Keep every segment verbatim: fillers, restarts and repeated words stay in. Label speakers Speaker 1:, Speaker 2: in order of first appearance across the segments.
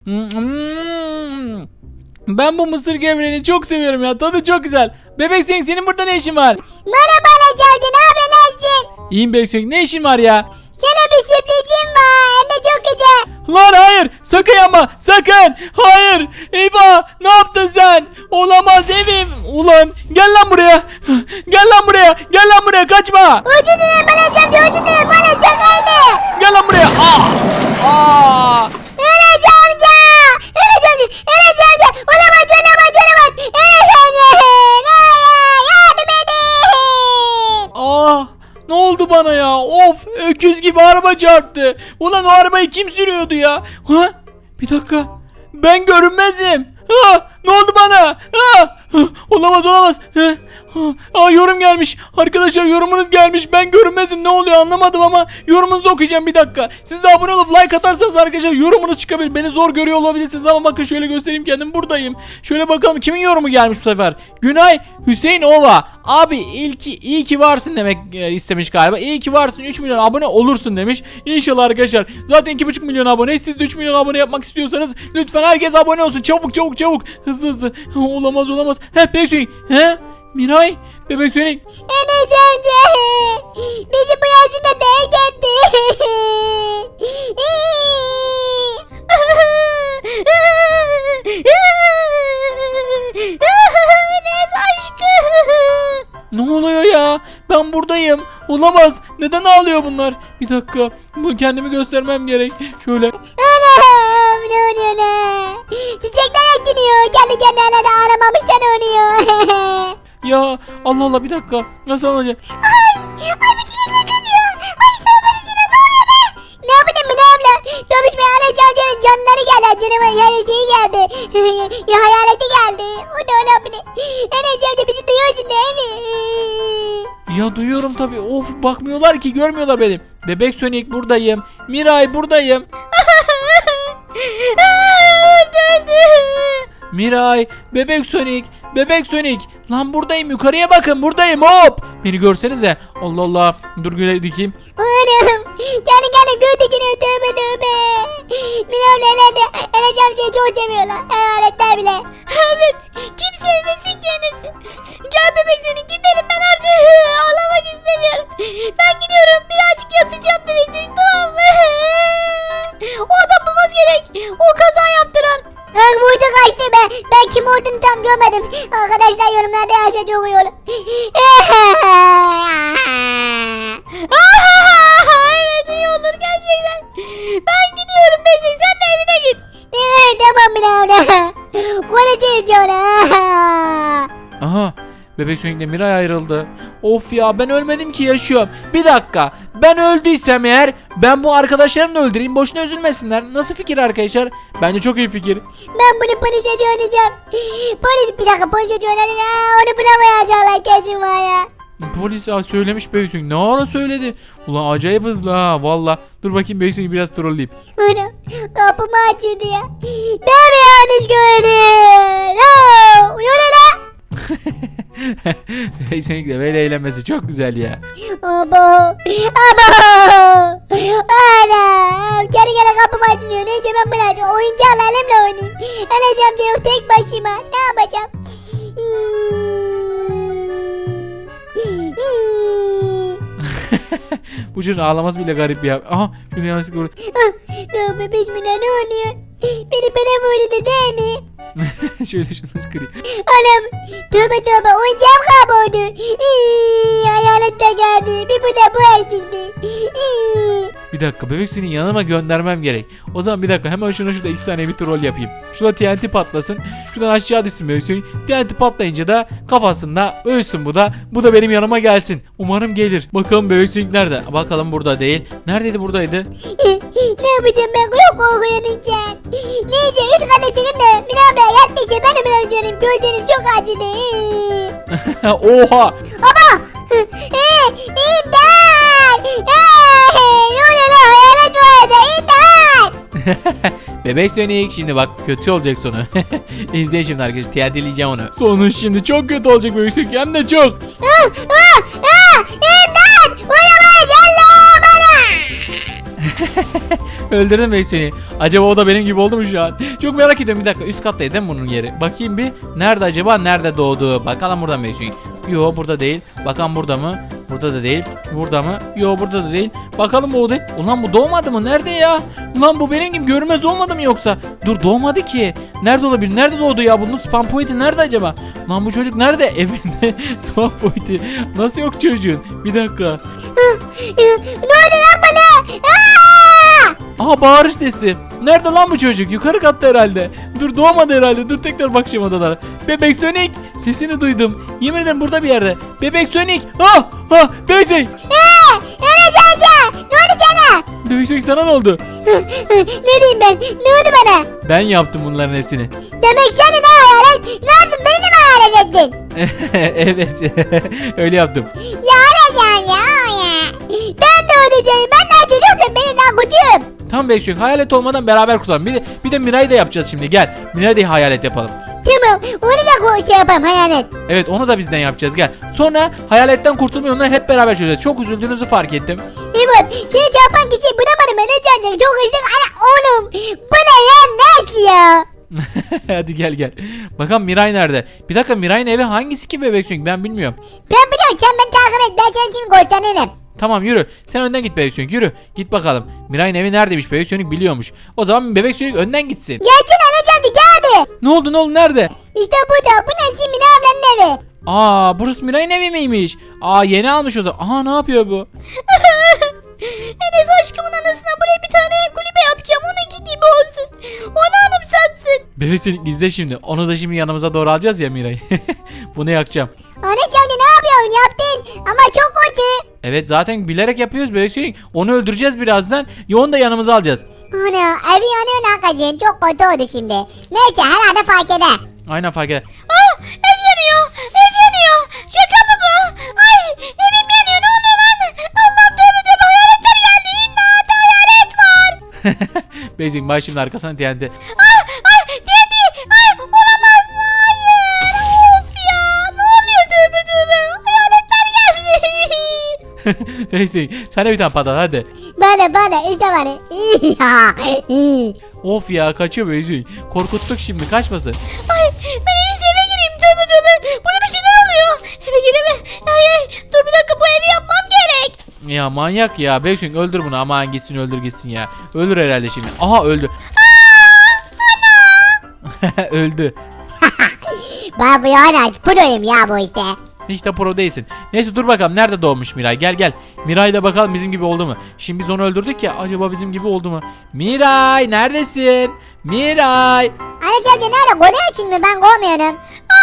Speaker 1: Hmm. Ben bu mısır gevreğini çok seviyorum ya. Tadı çok güzel. Bebek Sonic, senin burada ne işin var?
Speaker 2: Merhaba Anaç amca, ne yapıyorsun?
Speaker 1: İyiyim Bebek Sonic, ne işin var ya?
Speaker 2: Sana bir sürprizim var, hem de çok güzel.
Speaker 1: Lan hayır, sakın yapma, sakın. Hayır, eyvah, ne yaptın sen? Olamaz evim. Ulan gel lan buraya. Gel lan buraya, gel lan buraya, kaçma.
Speaker 2: Özür dilerim Anaç amca, özür dilerim, bana şakaydı.
Speaker 1: Gel lan buraya. Ah! Ah!
Speaker 2: Anaç amca, Anaç amca, Anaç amca, olamaz, olamaz, olamaz. Anaç amca, yardım edin.
Speaker 1: Ah! Ne oldu bana ya? Of! Öküz gibi araba çarptı. Ulan o arabayı kim sürüyordu ya? Ha? Bir dakika. Ben görünmezim. Ha! Ne oldu bana? Ha! Ha! Olamaz olamaz. Ha! Ha! Aa, yorum gelmiş. Arkadaşlar yorumunuz gelmiş. Ben görünmezim. Ne oluyor anlamadım ama yorumunuzu okuyacağım bir dakika. Siz de abone olup like atarsanız arkadaşlar yorumunuz çıkabilir. Beni zor görüyor olabilirsiniz ama bakın şöyle göstereyim, kendim buradayım. Şöyle bakalım kimin yorumu gelmiş bu sefer. Günay Hüseyin Ova. Abi ilki iyi ki varsın demek e, istemiş galiba. İyi ki varsın, üç milyon abone olursun demiş. İnşallah arkadaşlar. Zaten iki buçuk milyon abone. Siz de üç milyon abone yapmak istiyorsanız lütfen herkes abone olsun. Çabuk çabuk çabuk. Hızlı hızlı. Olamaz olamaz. He Bebek Sonic. He? Miray? Bebek Sonic.
Speaker 2: Anaç amca, bizi bu yaşında terk etti. Enes aşkım.
Speaker 1: Ne oluyor ya? Ben buradayım. Olamaz. Neden ağlıyor bunlar? Bir dakika. Bu kendimi göstermem gerek. Şöyle.
Speaker 2: Anam, ne oluyor ne? Çiçekler ekiliyor, kendi kendine de ağlamamıştan oluyor.
Speaker 1: Ya Allah Allah, bir dakika. Nasıl olacak?
Speaker 2: Ay, ay bir çiçekler kırılıyor. Ay sana bismillah, ne oluyor be? Ne yapayım ben abla? Tomuş Bey Anaç amcanın canları geldi. Canıma yani şeyi geldi. Ya hayaleti geldi. O da olabilir. Anaç amca bizi duyuyorsun değil mi?
Speaker 1: Ya duyuyorum tabii. Of, bakmıyorlar ki, görmüyorlar beni. Bebek Sonic buradayım. Miray buradayım. Miray, Bebek Sonic, Bebek Sonic. Lan buradayım, yukarıya bakın, buradayım, hop. Beni görsenize. Allah Allah. Dur güle dikeyim.
Speaker 2: Anam, kendi kendine gördük yine, tövbe tövbe. Minamla nerede? Anaç amcayı çok seviyorlar. Hayaletler bile. Evet, kim sevmesin ki Enes'i? Gel Bebek Sonic, gidelim, ben artık ağlamak istemiyorum. Ben gidiyorum, birazcık yatacağım Bebek Sonic, tamam mı? O adam bulmaz gerek. O kaza yaptıran. Ay burada kaçtı be. Ben kim olduğunu tam görmedim. Arkadaşlar yorumlarda yaşa çok iyi olur. Evet, iyi olur gerçekten. Ben gidiyorum Beşik, sen de evine git. Evet tamam Minavra. Konuşuruz sonra.
Speaker 1: Aha. Bebek Sonic'le Miray ayrıldı. Of ya, ben ölmedim ki, yaşıyorum. Bir dakika. Ben öldüysem eğer ben bu arkadaşlarımı da öldüreyim. Boşuna üzülmesinler. Nasıl fikir arkadaşlar? Bence çok iyi fikir.
Speaker 2: Ben bunu polise oynayacağım. Polis, bir dakika, polise oynayacağım. Onu bulamayacaklar kesin var ya.
Speaker 1: Polis ha, söylemiş Bebek Sonic. Ne ara söyledi? Ulan acayip hızlı ha valla. Dur bakayım Bebek Sonic'i biraz trolleyeyim.
Speaker 2: Ana, kapımı açıldı ya. Ben mi yanlış gördüm? No, ne oluyor lan?
Speaker 1: Bebek Sonic de böyle eğlenmesi çok güzel ya.
Speaker 2: Abo, abo. Ana, geri geri kapım açılıyor. Neyse ben bunu açayım. Oyuncakla elimle oynayayım. Anacığım da yok tek başıma. Ne yapacağım?
Speaker 1: Bu çocuğun ağlaması bile garip ya. Aha, şunu yanlışlıkla vur.
Speaker 2: Ne bebeş mi ne oluyor? Beni bana vurdu değil mi?
Speaker 1: Şöyle şunları kırayım.
Speaker 2: Anam, tövbe tövbe, oyuncağım kayboldu. İyi, hayalet de geldi. Bir bu da bu eksikti.
Speaker 1: Bir dakika, Bebek Sonic'i yanıma göndermem gerek. O zaman bir dakika, hemen şuna şurada iki saniye bir troll yapayım. Şurada T N T patlasın. Şuradan aşağı düşsün Bebek Sonic. T N T patlayınca da kafasında ölsün bu da. Bu da benim yanıma gelsin. Umarım gelir. Bakalım Bebek Sonic nerede? Bakalım, burada değil. Neredeydi, buradaydı?
Speaker 2: Ne yapacağım ben? Yok korkuyorum sen. Neyse, üç kata çıkayım da Minabla yattı işte, benim Minabca'nım. Gözlerim çok acıdı.
Speaker 1: Oha!
Speaker 2: Ama! Eee! İmdat! Eee! Ne oluyor lan? Hayalet var orada! İmdat!
Speaker 1: Bebek Sonic şimdi bak, kötü olacak sonu. İzleyin şimdi arkadaşlar, T N T'leyeceğim onu. Sonu şimdi çok kötü olacak Bebek Sonic, hem de çok.
Speaker 2: Ah! Ah! Ah! İmdat! Olamaz! Allah bana!
Speaker 1: Öldürdüm bebek Sonic. Acaba o da benim gibi oldu mu şu an? Çok merak ediyorum. Bir dakika, üst kattaydı değil mi bunun yeri? Bakayım bir. Nerede acaba? Nerede doğdu? Bakalım burada mı bebek Sonic? Yo, burada değil. Bakalım burada mı? Burada da değil. Burada mı? Yo, burada da değil. Bakalım o değil. Ulan bu doğmadı mı? Nerede ya? Ulan bu benim gibi görünmez olmadı mı yoksa? Dur, doğmadı ki. Nerede olabilir? Nerede doğdu ya? Bunun spam point'i nerede acaba? Lan bu çocuk nerede? Evinde spam point'i. Nasıl yok çocuğun? Bir dakika.
Speaker 2: Ne oldu lan bana? Aa!
Speaker 1: Aha, bağırış sesi. Nerede lan bu çocuk? Yukarı katta herhalde. Dur, doğmadı herhalde. Dur, tekrar bakacağım odalara. Bebek Sonic, sesini duydum. Yemin ederim burada bir yerde. Bebek Sonic. Ah! Ah! Bebek Sonic.
Speaker 2: Eee! Enes amca! Ne oldu sana?
Speaker 1: Bebek Sonic, sana ne oldu?
Speaker 2: Ne diyeyim ben? Ne oldu bana?
Speaker 1: Ben yaptım bunların hepsini.
Speaker 2: Demek sen ne hayalet? Ne yaptın? Beni de mi hayalet ettin?
Speaker 1: Evet. Öyle yaptım.
Speaker 2: Ya Enes amca ya. Ben de öleceğim. Ben daha çocuktum. Benim daha küçüğüm.
Speaker 1: Tam Bebek Sonic, hayalet olmadan beraber kurtulalım. Bir de, bir de Miray'ı da yapacağız şimdi. Gel. Miray'ı da hayalet yapalım.
Speaker 2: Tamam. Onu da ko- şey yapalım hayalet.
Speaker 1: Evet, onu da bizden yapacağız. Gel. Sonra hayaletten kurtulma yolunu hep beraber çözeceğiz. Çok üzüldüğünüzü fark ettim.
Speaker 2: Evet. Seni çarpan kişiyi bulamadım. Enes amca. Çok hızlı. Ana oğlum. Bu ne ya? Nasıl ya?
Speaker 1: Hadi gel gel. Bakalım Miray nerede? Bir dakika, Miray'ın evi hangisi ki Bebek Sonic? Ben bilmiyorum.
Speaker 2: Ben biliyorum. Sen beni takip et. Ben senin için gösteririm.
Speaker 1: Tamam, yürü. Sen önden git Bebek Sonic, yürü. Git bakalım. Miray'ın evi neredeymiş? Bebek Sonic biliyormuş. O zaman Bebek Sonic önden gitsin.
Speaker 2: Gelsin Enes amca. Gel hadi.
Speaker 1: Ne oldu, ne oldu, nerede?
Speaker 2: İşte burada. Bu ne şimdi? Ne ablanın evi?
Speaker 1: Aa, burası Miray'ın evi miymiş? Aa, yeni almış o zaman. Aha, ne yapıyor bu?
Speaker 2: Enes aşkımın anasına buraya bir tane kulübe yapacağım. Onunki gibi olsun. Onu anımsatsın.
Speaker 1: Bebek Sonic izle şimdi. Onu da şimdi yanımıza doğru alacağız ya Miray'ı. Bunu yakacağım.
Speaker 2: Anne amca ne yapıyorsun? Yaptın. Ama çok kötü.
Speaker 1: Evet, zaten bilerek yapıyoruz Bebek Sonic. Onu öldüreceğiz birazdan. Ya onu da yanımıza alacağız.
Speaker 2: Ana evi yanıyor Nakacığım. Çok kötü oldu şimdi. Neyse herhalde fark eder.
Speaker 1: Aynen, fark eder.
Speaker 2: Ah ev yanıyor. Ev yanıyor. Şaka mı bu? Ay evim yanıyor. Ne oluyor lan? Allah'ım tövbe tövbe hayaletler geldi. İmdat hayalet var.
Speaker 1: Bebek Sonic bak şimdi arkasına T N T.
Speaker 2: Ah ay dedi. Ay olamaz. Hayır. Of ya. Ne oluyor tövbe tövbe. Hayaletler geldi.
Speaker 1: Bebek Sonic sana bir tane patlat hadi.
Speaker 2: Bana bana işte bana.
Speaker 1: Of ya, kaçıyor Bebek Sonic. Korkuttuk şimdi, kaçmasın.
Speaker 2: Ay ben en iyisi eve gireyim tövbe tövbe. Burada bir şeyler oluyor. Eve gireyim. Ay ay dur bir dakika bu evi yapmam gerek.
Speaker 1: Ya manyak ya. Bebek Sonic öldür bunu, aman gitsin, öldür gitsin ya. Ölür herhalde şimdi. Aha, öldü. Öldü.
Speaker 2: Ben bu yana proyum ya bu işte.
Speaker 1: Hiç de pro değilsin. Neyse, dur bakalım nerede doğmuş Miray. Gel gel. Miray'la bakalım bizim gibi oldu mu? Şimdi biz onu öldürdük ya. Acaba bizim gibi oldu mu? Miray neredesin? Miray.
Speaker 2: Anne amca nerede? Konuyor için mi? Ben kovmuyorum.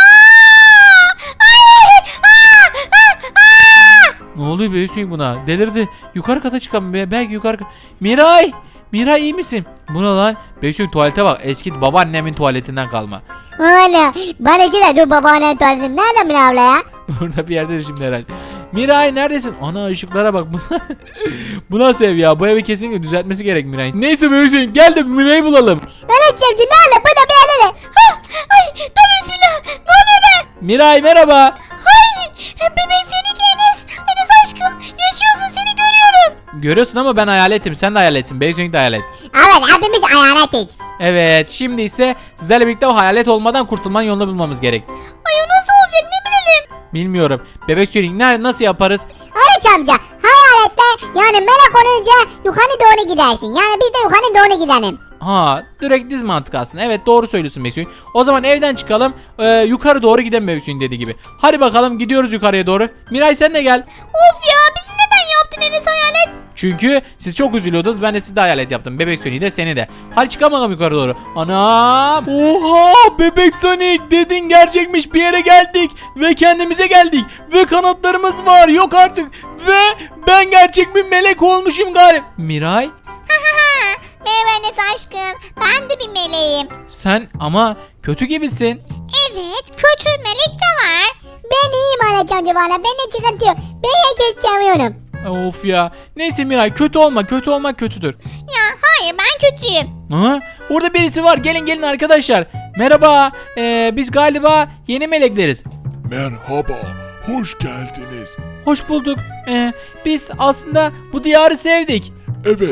Speaker 1: Ne oluyor Bebek Sonic buna? Delirdi. Yukarı kata çıkalım. be- Belki yukarı... Miray. Miray iyi misin? Bu ne lan? Bebek Sonic tuvalete bak. Eski babaannemin tuvaletinden kalma.
Speaker 2: Anne bana iki de dur babaanne tuvaletim. Nerede mi abla ya?
Speaker 1: Burada bir yerde şimdi herhalde. Miray neredesin? Ana, ışıklara bak. Bu nasıl ev ya? Bu evi kesinlikle düzeltmesi gerek Miray. Neyse Bebek Sonic, gel de Miray'ı bulalım.
Speaker 2: Anne amca nerede? Burada bir yerde. Ha, ay tamam bismillah. Ne oluyor be?
Speaker 1: Miray merhaba.
Speaker 2: Ay bebek Sonic Enes. Enes aşkım yaşıyorsun seni görüyorum.
Speaker 1: Görüyorsun ama ben hayaletim. Sen de hayaletsin. Bebek Sonic de hayalet.
Speaker 2: Evet hepimiz hayaletiz.
Speaker 1: Evet, şimdi ise sizlerle birlikte o hayalet olmadan kurtulmanın yolunu bulmamız gerek.
Speaker 2: Ay o nasıl olacak ne bilelim.
Speaker 1: Bilmiyorum. Bebek Sonic nerede, nasıl yaparız?
Speaker 2: Anne amca hayalette yani melek olunca yukarı doğru gidersin. Yani biz de yukarı doğru gidelim.
Speaker 1: Ha, direkt diz mantık aslında. Evet, doğru söylüyorsun Bebek Sonic. O zaman evden çıkalım. Ee, yukarı doğru gidelim Bebek Sonic dediği gibi. Hadi bakalım, gidiyoruz yukarıya doğru. Miray sen de gel.
Speaker 2: Of ya bizi neden yaptın Enes hayalet?
Speaker 1: Çünkü siz çok üzülüyordunuz. Ben de sizi de hayalet yaptım. Bebek Sonic'i de seni de. Hadi çıkalım bakalım yukarı doğru. Anam. Oha, Bebek Sonic dedin gerçekmiş. Bir yere geldik. Ve kendimize geldik. Ve kanatlarımız var. Yok artık. Ve ben gerçek bir melek olmuşum galiba. Miray.
Speaker 2: Merhaba Enes aşkım. Ben de bir meleğim.
Speaker 1: Sen ama kötü gibisin.
Speaker 2: Evet kötü melek de var. Ben iyiyim anacığım valla. Bende sıkıntı yok. Ben herkes seviyorum.
Speaker 1: Of ya. Neyse Miray, kötü olma. Kötü olmak kötüdür.
Speaker 2: Ya hayır ben kötüyüm.
Speaker 1: Ha? Orada birisi var. Gelin gelin arkadaşlar. Merhaba. Ee, biz galiba yeni melekleriz.
Speaker 3: Merhaba, hoş geldiniz.
Speaker 1: Hoş bulduk. Ee, biz aslında bu diyarı sevdik.
Speaker 3: Evet,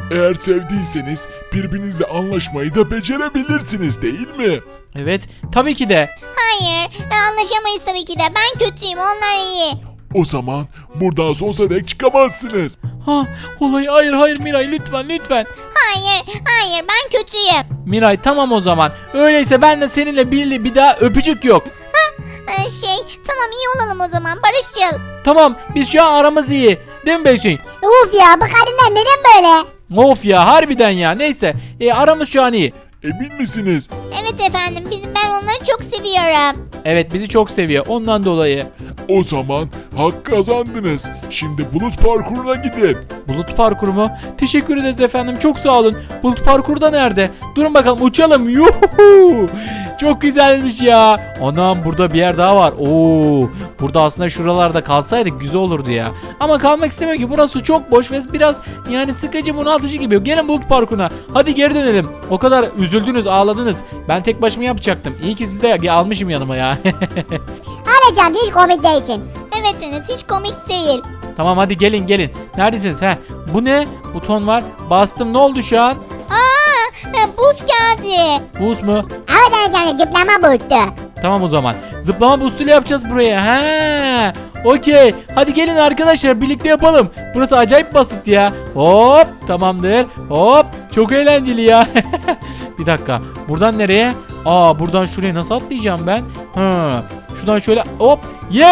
Speaker 3: Eğer sevdiyseniz birbirinizle anlaşmayı da becerebilirsiniz değil mi?
Speaker 1: Evet, tabii ki de.
Speaker 2: Hayır anlaşamayız tabii ki de. Ben kötüyüm onlar iyi.
Speaker 3: O zaman buradan sonsuza dek çıkamazsınız.
Speaker 1: Ha, olay hayır hayır Miray lütfen lütfen.
Speaker 2: Hayır hayır ben kötüyüm.
Speaker 1: Miray tamam o zaman. Öyleyse ben de seninle bir, bir daha öpücük yok.
Speaker 2: Ee, şey tamam iyi olalım o zaman barışçıl.
Speaker 1: Tamam biz şu an aramız iyi. Değil mi Beysun?
Speaker 2: Uf ya bu kadınlar neden böyle?
Speaker 1: Of ya harbiden ya neyse. E, aramız şu an iyi.
Speaker 3: Emin misiniz?
Speaker 2: Evet efendim bizim ben onları çok seviyorum.
Speaker 1: Evet bizi çok seviyor ondan dolayı.
Speaker 3: O zaman hak kazandınız. Şimdi bulut parkuruna gidin.
Speaker 1: Bulut parkuru mu? Teşekkür ederiz efendim çok sağ olun. Bulut parkuru da nerede? Durun bakalım uçalım. Yuhu! Çok güzelmiş ya. Anam burada bir yer daha var. Oo! Burada aslında şuralarda kalsaydık güzel olurdu ya. Ama kalmak istemiyorum ki burası çok boş ve biraz yani sıkıcı bunaltıcı gibi. Gelin bulut parkuruna. Hadi geri dönelim. O kadar üzüldünüz ağladınız. Ben tek başıma yapacaktım. İyi ki sizi de almışım yanıma ya.
Speaker 2: Alacağım hiç komik değil için. Evet Enes hiç komik değil.
Speaker 1: Tamam hadi gelin gelin. Neredesiniz? He. Bu ne? Buton var. Bastım. Ne oldu şu an?
Speaker 2: Aa buz geldi.
Speaker 1: Buz mu?
Speaker 2: Evet Anacığım zıplama buzdu.
Speaker 1: Tamam o zaman. Zıplama boostuyla yapacağız buraya. He. Okey. Hadi gelin arkadaşlar birlikte yapalım. Burası acayip basit ya. Hop. Tamamdır. Hop. Çok eğlenceli ya. Bir dakika. Buradan nereye? Aa buradan şuraya nasıl atlayacağım ben? Hı. Şuradan şöyle hop.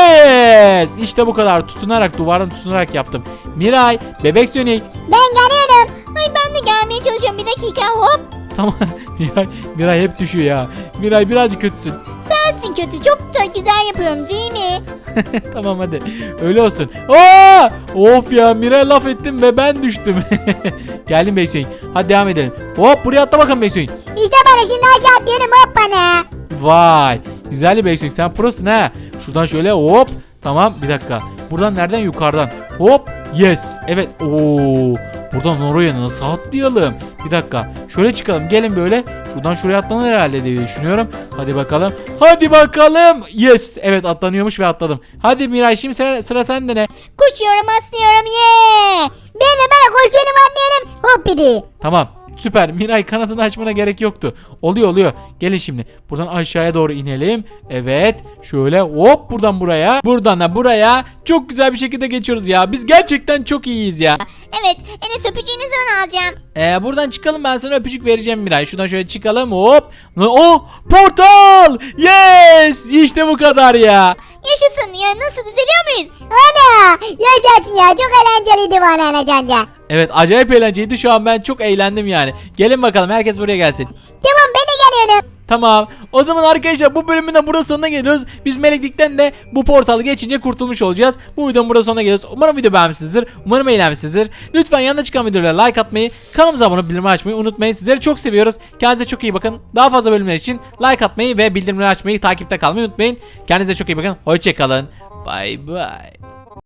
Speaker 1: Yes. İşte bu kadar. Tutunarak duvardan tutunarak yaptım. Miray. Bebek Sonic.
Speaker 2: Ben geliyorum. Ay ben de gelmeye çalışıyorum bir dakika hop.
Speaker 1: Tamam. Miray, Miray hep düşüyor ya. Miray birazcık kötüsün.
Speaker 2: Sensin kötü çok da güzel yapıyorum değil mi?
Speaker 1: Tamam hadi. Öyle olsun. Aa! Of ya Miray laf ettim ve ben düştüm. Geldim Beysoyun. Hadi devam edelim. Hop buraya atla bakalım Beysoyun.
Speaker 2: İşte bana şimdi aşağı atlıyorum hop bana.
Speaker 1: Vay. Güzel Beysoyun sen prosun ha. Şuradan şöyle hop. Tamam bir dakika. Buradan nereden? Yukarıdan. Hop. Yes. Evet. Oo. Buradan oraya nasıl atlayalım? Bir dakika. Şöyle çıkalım. Gelin böyle. Şuradan şuraya atlanır herhalde diye düşünüyorum. Hadi bakalım. Hadi bakalım. Yes. Evet atlanıyormuş ve atladım. Hadi Miray şimdi sıra, sıra sende ne?
Speaker 2: Koşuyorum atlıyorum ye. Ben de böyle koşuyorum atlıyorum hop biri.
Speaker 1: Tamam. Süper. Miray kanadını açmana gerek yoktu. Oluyor oluyor. Gelin şimdi. Buradan aşağıya doğru inelim. Evet. Şöyle hop buradan buraya. Buradan da buraya. Çok güzel bir şekilde geçiyoruz ya. Biz gerçekten çok iyiyiz ya.
Speaker 2: Evet Enes öpücüğünü zaman alacağım.
Speaker 1: Ee, buradan çıkalım ben sana öpücük vereceğim Miray. Şuradan şöyle çıkalım hop. Oh portal. Yes. İşte bu kadar ya.
Speaker 2: Yaşasın ya nasıl düzeliyor muyuz? Ana yaşasın ya çok eğlenceliydi bana Anacanca.
Speaker 1: Evet acayip eğlenceliydi. Şu an ben çok eğlendim yani. Gelin bakalım herkes buraya gelsin.
Speaker 2: Tamam ben de geliyorum.
Speaker 1: Tamam. O zaman arkadaşlar bu bölümün de burada sonuna geliyoruz. Biz meleklikten de bu portalı geçince kurtulmuş olacağız. Bu videonun burada sonuna geliyoruz. Umarım video beğenmişsinizdir. Umarım eğlenmişsinizdir. Lütfen yanında çıkan videolara like atmayı, kanalımıza abone olup bildirimleri açmayı unutmayın. Sizleri çok seviyoruz. Kendinize çok iyi bakın. Daha fazla bölümler için like atmayı ve bildirimleri açmayı, takipte kalmayı unutmayın. Kendinize çok iyi bakın. Hoşçakalın. Bye bye.